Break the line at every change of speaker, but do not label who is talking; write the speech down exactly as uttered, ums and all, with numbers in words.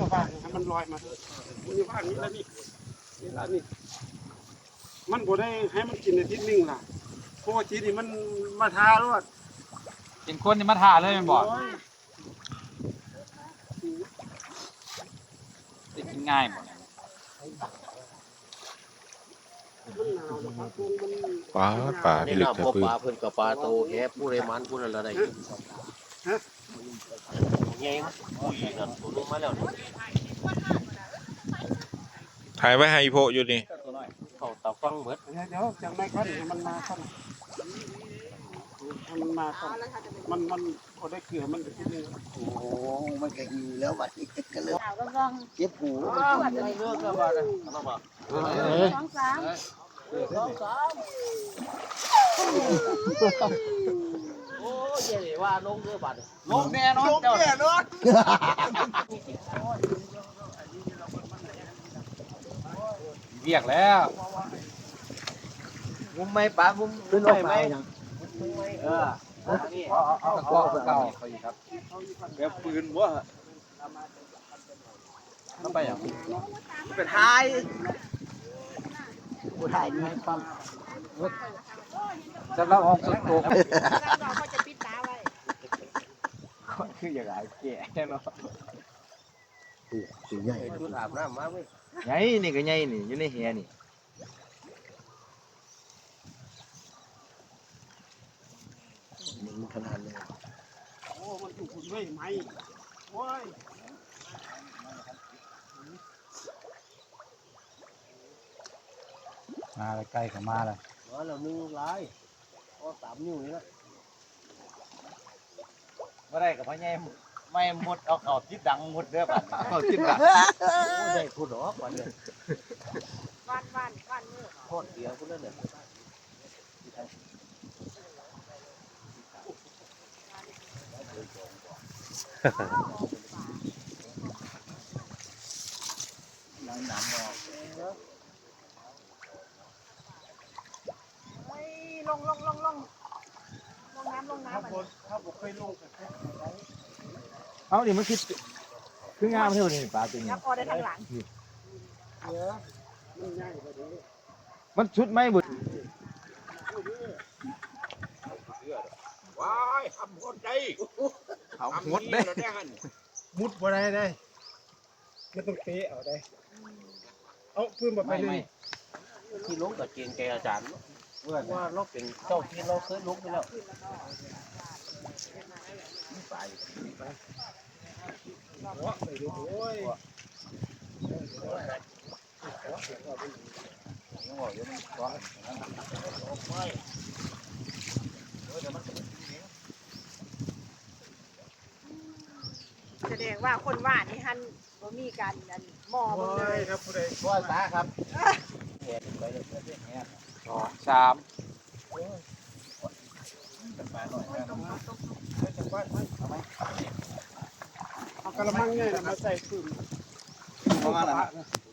มาบ้างให้มันลอยมามันอยู่บ้านนี้แล้วนี่นี่แล้วนี่มันบ่ได้ให้มันกินอาทิตย์นึงล่ะเพราะว่าทีนี้มันมาทารอด
กินคนนี่มาทาเลยแม่นบ่ได้กินง่ายบ่
ปลาปลาพี่ลึก
แต่
แต่
ปื
ปื
น
น
ปลาเพิ่นกับปลาโตแฮะผู้ใดมันผู้นั้นละได้ฮะใหญ่มั้ยผู้หญิงนั่นตัวนึงมาแล้วนี่
ถ่ายไว้ให้อีโพอยู่นี่
เข้าตาฟังเบิด
เดี๋ยวจังไม่ค่อนมันมาค่อนมันมาค่อนมันมันพอได้เกลือมันจะกินเลยโอ้โหมันก็หิวแล้วบัดนี้ก็เลยเจ็บหูมันกินเลือดก็บัดน่ะเอามาสองสามสองสาม
โอ้ยเดี๋ยวว่าลงเด้อบัด
ลงแน่นอนเจ้าแน่นอนเรียกแล้ว
งุ้มไหมปลางุ้มขึ้นไหวไหมเออนี่
เอาเอาเอาเก่าเขาอีกครับแบบปืนบ่เข้าไปอ่ะ
เป็นท้าย
ผู้ถ่ายนี่ปั๊ม
สำหรับห้องสุดโต่ง
เราก็จะปิดตาไว้
คืออย่างไรแก่เนาะ
สิใหญ่ชุดอาบน้ำมาเว้ย
ไงนี่ก็ไงนี่อยู่ในแหนี่
มันขนาดเลย
โอ้มันถูกคุณด้วยไหมโอ้ย
มาใกล้เข้ามาแล้ว
มาแล้วนึงลายก็สามนิ้วนี่นะ
บ่ได้กับพ่อใหญ่ไม่หมดเอาเข้าจิตดังหมดเด้อบัดเข้าจิตดัง
ได้พูดหรอกวันนี้
วันวันวันมือ
โคตรเดียวคุณนั่นเนี่ย
เฮ้ยลงลงลงลงลงน้ำลงน้ำ
ถ้า
มัน
บนถ้าบกเคยลงกับแค่ไหน
เอาดิมันคือคืองามเท่านี้ปลาตัวนี้
แล้วพอได้ทางหลัง
เยอะมันง่ายกว่านี้
มันชุดไหมบุ
ว้ายทำคนใจ
เอาหมดได้
ได้หัน
มุดบ่ได้ได้ไม่ต้องเตะเอาได้เอาพื้นมาไป
ไม่
เล
ไม่
ย
ที่ลงกับเกณฑ์แกอาจารย์ว่าเราเป็นเจ้าที่เราเคยลงไปแล้ว
หัวไปดูโอ้ย
แสดงว่าคนว่านี่ฮันบ่มีการอันหม้อมึงเลย
ครับผู้ใด
ว่าตาครับ
สองสาม
เอากระมังเนี่ยมาใส่พื้น
ประมาณนั้น